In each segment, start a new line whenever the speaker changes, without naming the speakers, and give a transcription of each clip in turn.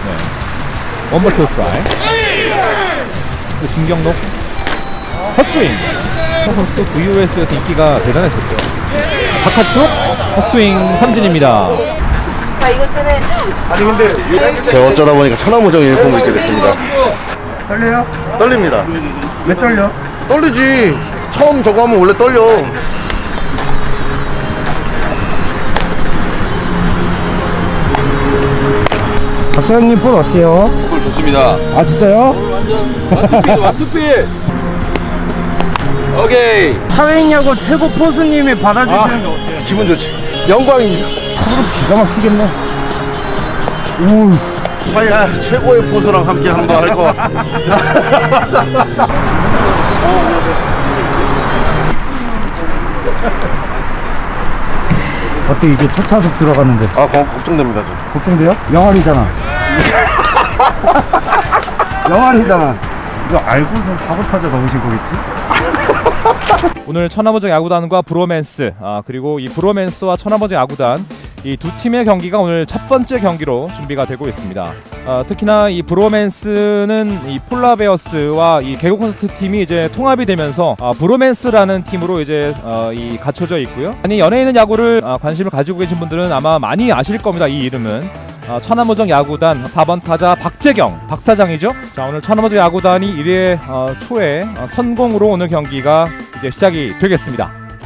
원볼 투 스트라이크. 김경록 헛스윙. 저 선수 VOS에서 인기가 대단했었죠. 바깥쪽 헛스윙 삼진입니다.
자, 이거 전에
아니 근데 제가 어쩌다 보니까 천하무적 유니폼을 입게 됐습니다.
떨려요?
떨립니다.
왜 떨려?
떨리지. 처음 저거 하면 원래 떨려.
박사님 볼 어때요?
볼 좋습니다.
아 진짜요?
완투필. 오케이.
사회인야구 최고 포수님이 받아주시는 게 어때요?
기분 좋지. 영광입니다.
프로 기가 막히겠네. 우.
과연 최고의 포수랑 함께 한번 할 것 같아.
어때 이제 첫 타석 들어갔는데
아 걱정됩니다. 좀.
걱정돼요? 영알이잖아. 영알이잖아. 이거 알고서 사고타자 넣으신 거겠지?
오늘 천하무적 야구단과 브로맨스, 그리고 이 브로맨스와 천하무적 야구단 이 두 팀의 경기가 오늘 첫 번째 경기로 준비가 되고 있습니다. 특히나 이 브로맨스는 이 폴라베어스와 이 개국 콘서트 팀이 이제 통합이 되면서 브로맨스라는 팀으로 이제 이 갖춰져 있고요. 아니 연예인은 야구를 관심을 가지고 계신 분들은 아마 많이 아실 겁니다. 이 이름은 천하무적 야구단 4번 타자 박재경 박사장이죠. 자, 오늘 천하무적 야구단이 1회 초에 선공으로 오늘 경기가 이제 시작이 되겠습니다.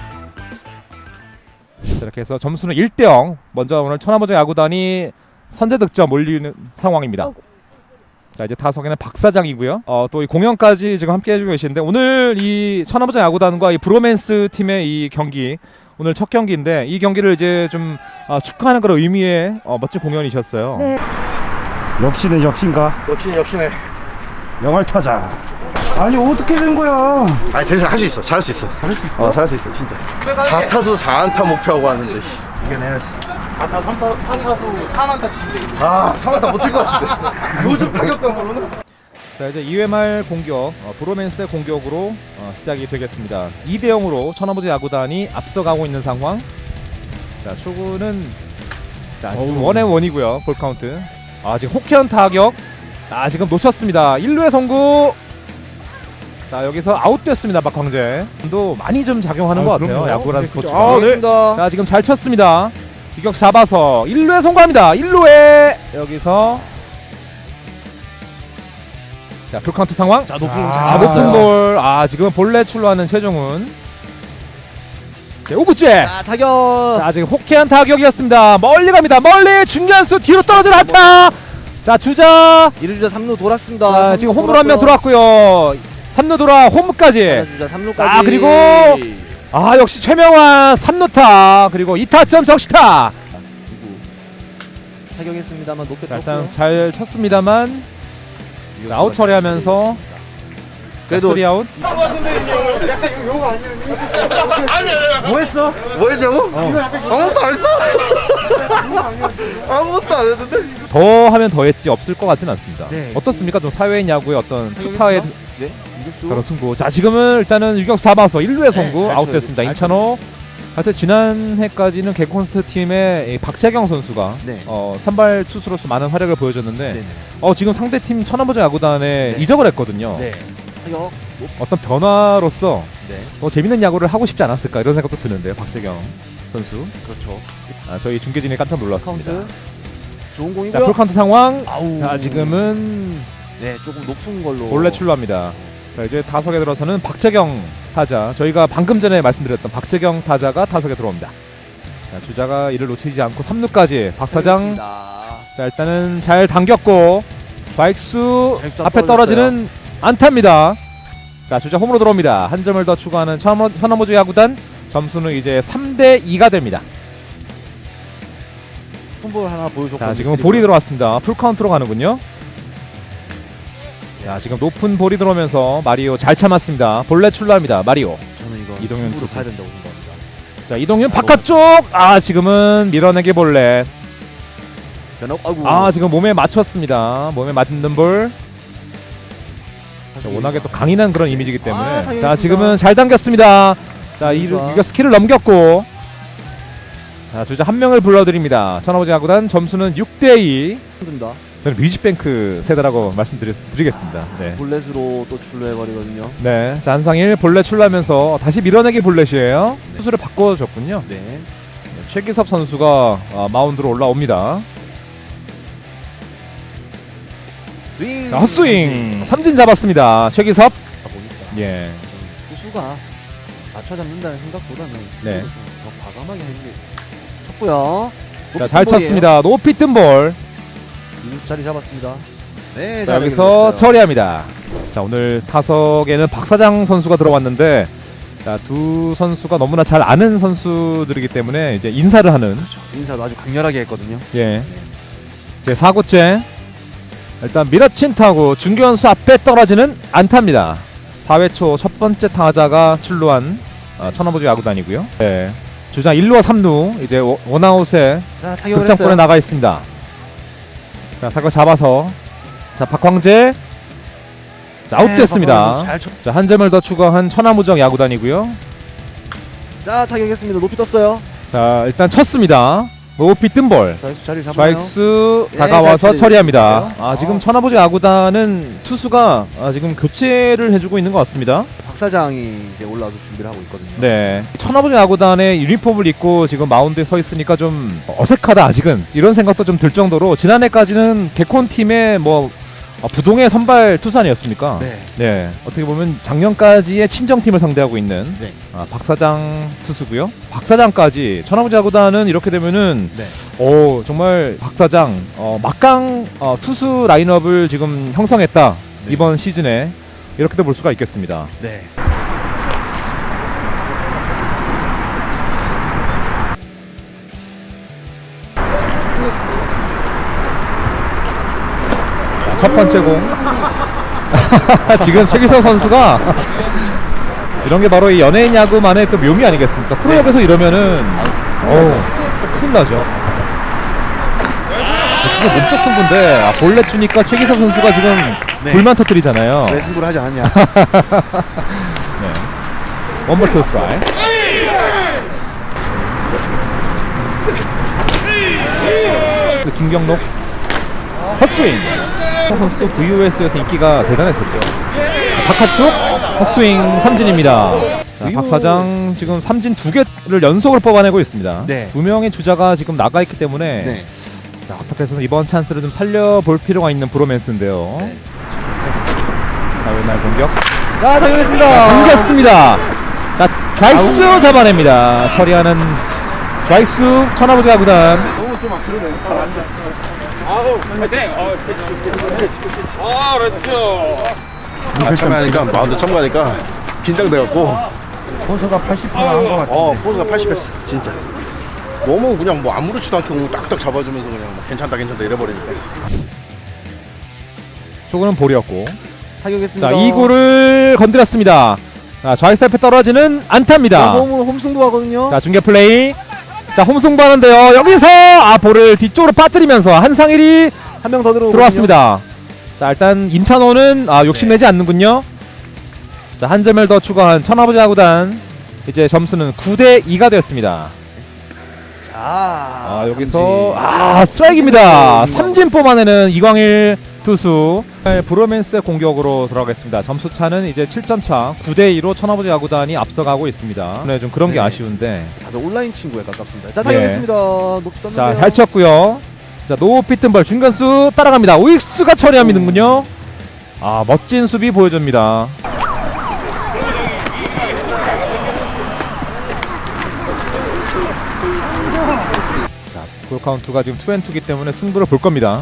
이렇게 해서 점수는 1대0. 먼저 오늘 천하무적 야구단이 선제 득점 올리는 상황입니다. 자, 이제 타석에는 박사장이고요. 또 이 공연까지 지금 함께 해주고 계시는데 오늘 이 천하무적 야구단과 이 브로맨스 팀의 이 경기 오늘 첫 경기인데 이 경기를 이제 좀 축하하는 그런 의미의 멋진 공연이셨어요.
네.
역시네 역신가?
역시네.
영알 타자. 아니 어떻게 된 거야?
아니 대신 할 수 있어. 잘할 수 있어. 잘할 수 있어? 잘할 수 있어 진짜. 4타수 4안타 목표하고 하는데.
이겨내야지.
4타 3타수 4안타 치면 되겠다. 아 3안타 못 칠 것 같은데. 요즘 타격감으로는.
자, 이제 2회 말 공격 브로맨스의 공격으로 시작이 되겠습니다. 2대0으로 천하무적 야구단이 앞서가고 있는 상황. 자, 초구는 자 지금 원앤 원이고요. 볼 카운트. 지금 호쾌한 타격. 지금 놓쳤습니다. 1루의 송구. 자, 여기서 아웃됐습니다. 박광재. 도 많이 좀 작용하는 것 같아요.
그럼요.
야구라는 스포츠가.
알겠습니다.
자, 지금 잘 쳤습니다. 유격 잡아서 1루에 송구합니다. 1루에 여기서 자, 풀카운트 상황.
자, 높은 공
자, 높은 볼. 지금 볼넷 출루하는 최종훈. 자, 오구째.
자, 타격.
자, 지금 호쾌한 타격이었습니다. 멀리 갑니다. 멀리 중견수 뒤로 떨어진 안타. 자, 주자.
1루주자 3루 돌았습니다.
자, 지금 홈으로 한 명 들어왔고요. 3루 돌아 홈까지.
주자 3루까지.
그리고 역시 최명환 3루타. 그리고 2타점 적시타.
타격했습니다만 높게
자, 일단 잘 쳤습니다만 아웃 처리하면서
그래도
3아웃.
뭐 했어?
뭐 했냐고? 아무것도 안 했어? 아무것도 안 했는데?
더 하면 더 했지 없을 것 같지는 않습니다.
네.
어떻습니까? 좀 사회인 야구의 어떤 투타의
네. 유격수.
그런 승부. 자, 지금은 일단은 유격수 잡아서 1루의 송구
잘
아웃됐습니다.
쳐요.
임찬호. 사실 지난해까지는 개콘스트 팀의 이 박재경 선수가
네.
선발 투수로서 많은 활약을 보여줬는데
네네.
지금 상대팀 천하무적 야구단에
네.
이적을 했거든요.
네. 타격.
어떤 변화로서
네.
더 재밌는 야구를 하고 싶지 않았을까 이런 생각도 드는데요. 박재경 선수.
그렇죠.
저희 중계진이 깜짝 놀랐습니다.
카운트. 좋은
자,
공이고요.
풀카운트 상황.
아우.
자, 지금은
네, 조금 높은 걸로.
볼넷 출루합니다. 자, 이제 타석에 들어서는 박재경 타자. 저희가 방금 전에 말씀드렸던 박재경 타자가 타석에 들어옵니다. 자, 주자가 이를 놓치지 않고 3루까지 박사장.
알겠습니다.
자, 일단은 잘 당겼고 좌익수
좌익수
앞에 떨어지는 안타입니다. 자, 주자 홈으로 들어옵니다. 한 점을 더 추가하는 천하무적 야구단. 점수는 이제 3대2가 됩니다.
풋볼 하나 보여줬고.
자, 지금 볼이 들어왔습니다. 풀카운트로 가는군요. 자, 지금 높은 볼이 들어오면서 마리오 잘 참았습니다. 볼넷 출루합니다. 마리오.
저는 이거
이동현
승부로
투수.
가야 된다고 생각합니다.
자, 이동현 바깥쪽. 지금은 밀어내기 볼넷.
변화. 아이고.
지금 몸에 맞췄습니다. 몸에 맞는 볼. 자, 워낙에 또 강인한 그런 이미지이기 때문에.
당했습니다.
자, 지금은 잘 당겼습니다. 자, 이거 스킬을 넘겼고. 자, 주자 한 명을 불러드립니다. 천하무적 야구단 점수는 6대2.
힘듭니다.
저는 뮤직뱅크 세대라고 말씀드리겠습니다. 네.
볼넷으로 또 출루해버리거든요.
네. 자, 한상일 볼넷 출루하면서 다시 밀어내기 볼넷이에요. 투수를 바꿔줬군요.
네.
최기섭 선수가 마운드로 올라옵니다.
스윙.
자, 헛스윙 삼진 잡았습니다. 최기섭.
보니까
예.
투수가 맞춰 잡는다는 생각보다는
네.
더 과감하게 하는 게 쳤고요.
자, 잘 쳤습니다. 높이 뜬 볼.
이루수 자리 잡았습니다. 네.
자,
잘
여기서
연결됐어요.
처리합니다. 자, 오늘 타석에는 박사장 선수가 들어왔는데, 자, 두 선수가 너무나 잘 아는 선수들이기 때문에 이제 인사를 하는.
인사도 아주 강렬하게 했거든요.
예. 제 4구째. 일단 밀어친 타구 중견수 앞에 떨어지는 안타입니다. 4회 초 첫 번째 타자가 출루한 천하보지 야구단이고요. 네. 주장 1루와 3루 이제 원아웃에
자, 타격을
득점권에
했어요.
나가 있습니다. 자, 타격 잡아서 자, 박광재 자, 아웃됐습니다.
네, 잘 쳤.
자, 한 점을 더 추가한 천하무적 야구단이고요.
자, 타격했습니다. 높이 떴어요.
자, 일단 쳤습니다. 높이 뜬 볼.
좌익수 자리 잡아요.
좌익수
네,
다가와서
잘
처리합니다.
처리했어요.
지금 천하보지 야구단은 투수가 지금 교체를 해주고 있는 것 같습니다.
박 사장이 이제 올라와서 준비를 하고 있거든요.
네, 천하보지 야구단의 유니폼을 입고 지금 마운드에 서 있으니까 좀 어색하다 아직은 이런 생각도 좀 들 정도로 지난해까지는 개콘 팀의 뭐 부동의 선발 투수 아니었습니까?
네.
네, 어떻게 보면 작년까지의 친정팀을 상대하고 있는
네.
박사장 투수고요. 박사장까지 천하보지 야구단은 이렇게 되면은
네.
정말 박사장 막강 투수 라인업을 지금 형성했다.
네.
이번 시즌에 이렇게도 볼 수가 있겠습니다.
네.
자, 첫 번째 공. 지금 최기석 선수가 이런 게 바로 이 연예인 야구만의 또 묘미 아니겠습니까? 프로야구에서 이러면은 큰일 나죠. 진짜 몸쪽 승부인데 볼넷 주니까 최기석 선수가 지금
네.
불만 터뜨리잖아요.
왜 승부를 하지 않았냐.
원볼 투 스트라이크. 김경록 헛스윙. 선수 VOS에서 인기가 대단했었죠. 바깥쪽 헛스윙 삼진입니다. 자, 박 사장 지금 삼진 2개를 연속으로 뽑아내고 있습니다.
네.
2명의 주자가 지금 나가 있기 때문에
네.
자, 어떻게 해서는 이번 찬스를 좀 살려볼 필요가 있는 브로맨스인데요.
네.
자, 왼날 공격
자, 타격했습니다.
당겼습니다. 자, 좌익수 잡아냅니다. 처리하는 좌익수 천하보지 야구단.
너무 좀 그러네. 참가하니까 마운드 참가하니까 긴장돼갖고
포수가 80%한것 같은데.
포즈가 80했어 진짜. 너무 그냥 뭐 아무렇지도 않게 공을 딱딱 잡아주면서 그냥 막 괜찮다 이래버리니까.
조금은 볼이었고.
타격했습니다.
자, 2구를 건드렸습니다. 자, 좌익수 앞에 떨어지는 안타입니다.
홈으로 홈승부하거든요.
자, 중계 플레이. 자, 홈승부하는데요. 여기서 볼을 뒤쪽으로 빠뜨리면서 한상일이
한 명 더
들어왔습니다. 자, 일단 임찬호는 욕심내지 않는군요. 자, 한 점을 더 추가한 천하보지 야구단. 이제 점수는 9대2가 되었습니다.
자,
여기서
삼진.
스트라이크입니다. 삼진 뽑아내는 이광일 투수. 브로맨스의 공격으로 들어가겠습니다. 점수 차는 이제 7점 차. 9대2로 천하보지 야구단이 앞서가고 있습니다. 네, 좀 그런 게
네.
아쉬운데.
다들 온라인 친구에 가깝습니다. 자, 타격했습니다. 높이 떴는데요.
자, 잘 쳤고요. 자, 높이 뜬 볼 중견수 따라갑니다. 우익수가 처리하는군요. 멋진 수비 보여줍니다. 자, 볼 카운트가 지금 2&2이기 때문에 승부를 볼 겁니다.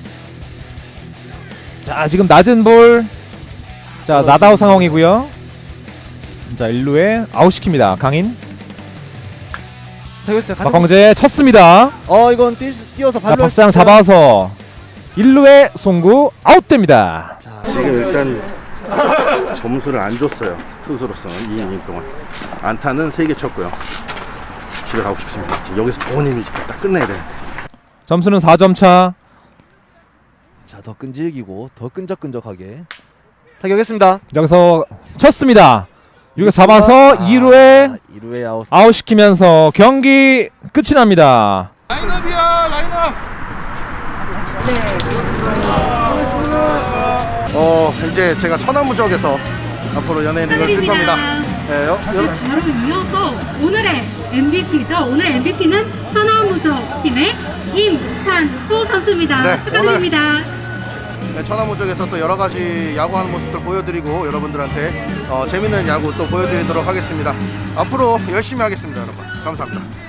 자, 지금 낮은 볼. 자, 나다우 상황이고요. 자, 1루에 아웃시킵니다. 강인.
타격했어요.
박광재 쳤습니다.
이건 뛰어서
자,
발로
박상
했어요.
잡아서 1루에 송구 아웃됩니다.
자,
지금 일단 점수를 안 줬어요. 투수로서는 2이닝 동안 안타는 3개 쳤고요. 집에 가고 싶습니다. 여기서 좋은 이미지 딱 끝내야 돼.
점수는 4점 차.
자, 더 끈질기고 더 끈적끈적하게 타격했습니다.
여기서 쳤습니다. 여기 잡아서 2루에
2루에 아웃.
아웃시키면서 경기 끝이 납니다.
라인업이야 라인업
이제 제가 천하무적에서 앞으로 연예인 리그를 뛸 겁니다. 네,
바로 이어서 오늘의 MVP죠. 오늘의 MVP는 천하무적 팀의 임찬호 선수입니다.
네,
축하드립니다.
네, 천하무적에서 또 여러 가지 야구하는 모습들 보여드리고 여러분들한테 재밌는 야구 또 보여드리도록 하겠습니다. 앞으로 열심히 하겠습니다, 여러분. 감사합니다.